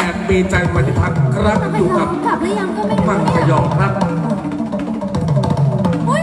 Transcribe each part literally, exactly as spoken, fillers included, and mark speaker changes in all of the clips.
Speaker 1: ดมีใจปฏิพัฒน์ครับอยู่กับ
Speaker 2: กลับหรือยังก็ไม่รู้
Speaker 1: มังค
Speaker 2: เนี่ย
Speaker 1: ยอครับ
Speaker 2: อุ๊ย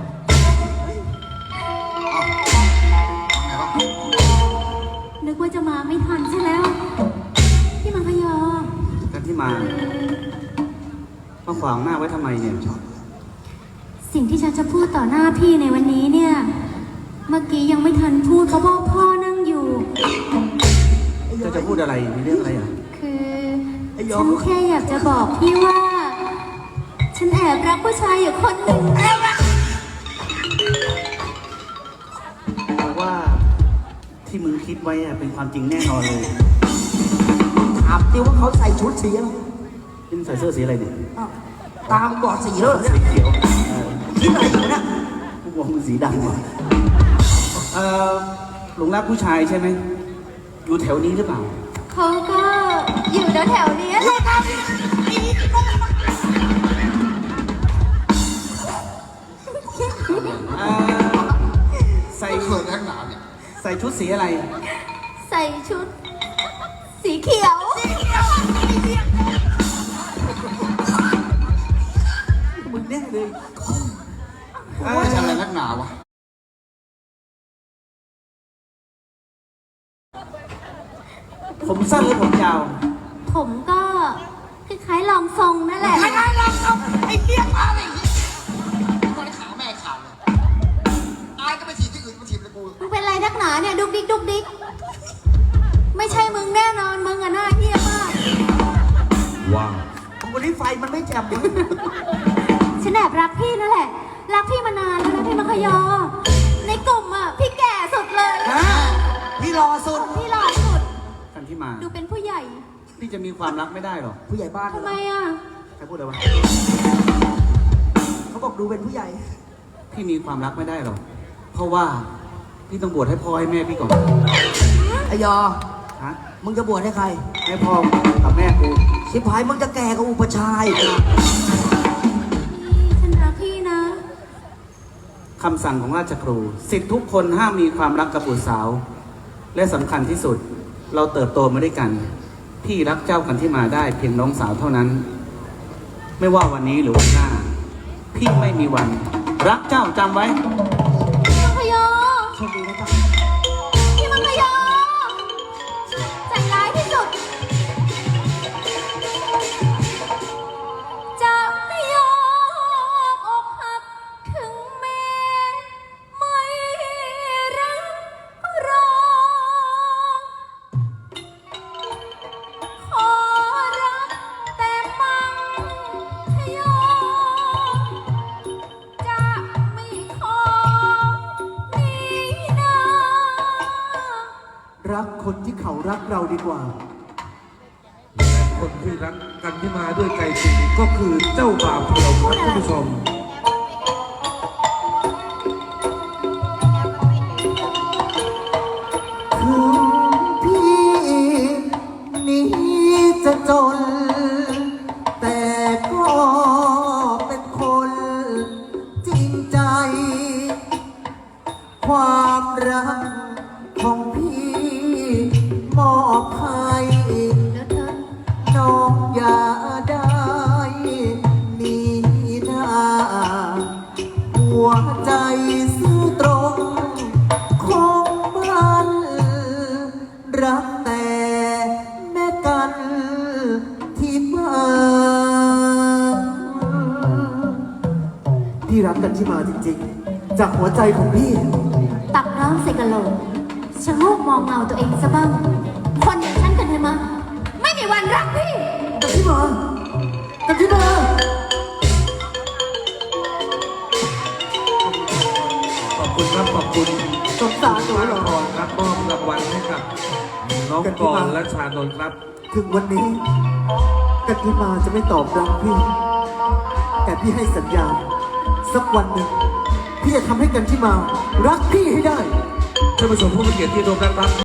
Speaker 2: นึกว่าจะมาไม่ทันใช่แล้วพี่มังคยอ
Speaker 3: กันที่มามาขวางหน้าไว้ทำไมเนี่ย
Speaker 2: สิ่งที่ฉันจะพูดต่อหน้าพี่ในวันนี้เนี่ยเมื่อกี้ยังไม่ทันพูดเพราะว่าพ่อนั่งอยู่
Speaker 3: จะจะพูดอะไรมีเรื่องอะไรอ่ะ
Speaker 2: คือฉันแค่อยากจะบอกพี่ว่า ฉันแอบรักผู้ชายอยู่คนหนึ่ง
Speaker 3: เพราะว่าที่มึงคิดไว้อะเป็นความจริงแน่นอนเลย
Speaker 4: ถามดิว่าเขาใส่ชุดสีอะไร
Speaker 3: นี่มึงใส่เสื้อสีอะไรเนี่ย
Speaker 4: อ้าวตามก่อนสีแล้วเหรอเนี่ย
Speaker 3: สีเขียวเออ
Speaker 4: คิดอะไรอยู่เนี่ย
Speaker 3: กูบอกมึงสีดำว่ะเออหลงรักผู้ชายใช่ไหมอยู่แถวนี้หรือเปล่า
Speaker 2: เขาก็อยู่แถวๆนี้แหละ
Speaker 3: เออใส่เขินแรงหนาเนี่ยใส่ชุดสีอะไร
Speaker 2: ใส่ชุด สีเขียว
Speaker 3: มึงแน่เลย
Speaker 4: โอ้ยจะอะไรนักหนาวะ
Speaker 3: ผมสั้นหรือผมยาว
Speaker 2: ผมก็คล้ายๆลองทรงนั่นแหละ
Speaker 4: ไม่ได้หรอกเอาไอ้เหี้ยมาเลยตอนนี้ขาแม่ขาดเลยตายก็ไปถีบที่อื่นมาถีบเลยกู
Speaker 2: มึงเป็นไรนักหนาเนี่ยดุกดิกดุกดิกไม่ใช่มึงแน่นอนมึงอะหน้าเหี้ยมาก
Speaker 1: ว้าว
Speaker 4: วันนี้ไฟมันไม่แจ่มเลย
Speaker 2: ฉันแอบรักพี่นั่นแหละ รักพี่มานานแล้วนะพี่มังคยอ ในกลุ่มอะพี่แก่สุดเลย
Speaker 4: ฮะพี่รอสุด
Speaker 2: พี่หล่อสุด
Speaker 3: กันที่มา
Speaker 2: ดูเป็นผู้ใหญ่
Speaker 3: พี่จะมีความรักไม่ได้หรอก
Speaker 4: ผู้ใหญ่บ้าน
Speaker 2: ทำไมอะ
Speaker 3: ใครพูดอะไรวะ
Speaker 4: เขาบอกดูเป็นผู้ใหญ่
Speaker 3: พี่มีความรักไม่ได้หรอก เพราะว่าพี่ต้องบวชให้พ่อให้แม่พี่ก่อน
Speaker 4: ไอ้ยอ
Speaker 3: ฮะ
Speaker 4: มึงจะบวชให้ใคร
Speaker 3: ให้พ่อกับแม่กู
Speaker 4: ชิบหายมึงจะแก่กับอุปชาย
Speaker 2: ฉันรักพี่นะ
Speaker 3: คำสั่งของราชครูสิทธิทุกคนห้ามมีความรักกับบุตรสาว และสำคัญที่สุด เราเติบโตมาด้วยกัน พี่รักเจ้ากันที่มาได้เพียงน้องสาวเท่านั้น ไม่ว่าวันนี้หรือวันหน้า พี่ไม่มีวัน รักเจ้าจำไว้
Speaker 2: พี่มังคยอ
Speaker 4: โชคดีนะจ๊ะ
Speaker 2: พี่มังคยอใจร้ายที่สุด จะไม่ยอมอกหักถึงแม้ไม่รักก็รอ ขอรักแต่มังคยอ จะไม่ขอหนีหน้า
Speaker 4: รักคนที่เขารักเราดีกว่า
Speaker 1: คนที่รักกันที่มาด้วยใจจริงก็คือเจ้าบ่าวของเราครับท่านผู้ชม
Speaker 4: ถึงพี่นี้จะจน แต่ก็เป็นคนจริงใจ ความรักของพี่มอบให้
Speaker 2: แล้วเธอ
Speaker 4: น้องอย่าได้หนีหน้า หัวใจซื่อตรงคงมันรักแต่แม่กันที่บ้านพี่รักกันที่มาจริงๆ จากหัวใจของพี่
Speaker 2: ตักน้ำใส่กะโหลกชะโงกมองเงาตัวเองซะบ้าง คนอย่างฉันกันเถอะมาไม่มีวันรักพี่
Speaker 4: กันที่มากันที่มา
Speaker 1: ขอบคุณครับขอบคุณ
Speaker 4: สงสารหนู
Speaker 1: มา
Speaker 4: เหรอ
Speaker 1: ก่อนครับมอบรางวัลให้กับน้องกรและชานนท์ครับ
Speaker 4: ถึงวันนี้กันที่มาจะไม่ตอบรับพี่ แต่พี่ให้สัญญา สักวันหนึ่งพี่จะทำให้กันที่มา รักพี่ให้ได้
Speaker 1: ท่านผู้ชมผู้มีเกียรติที่ร่วมรับ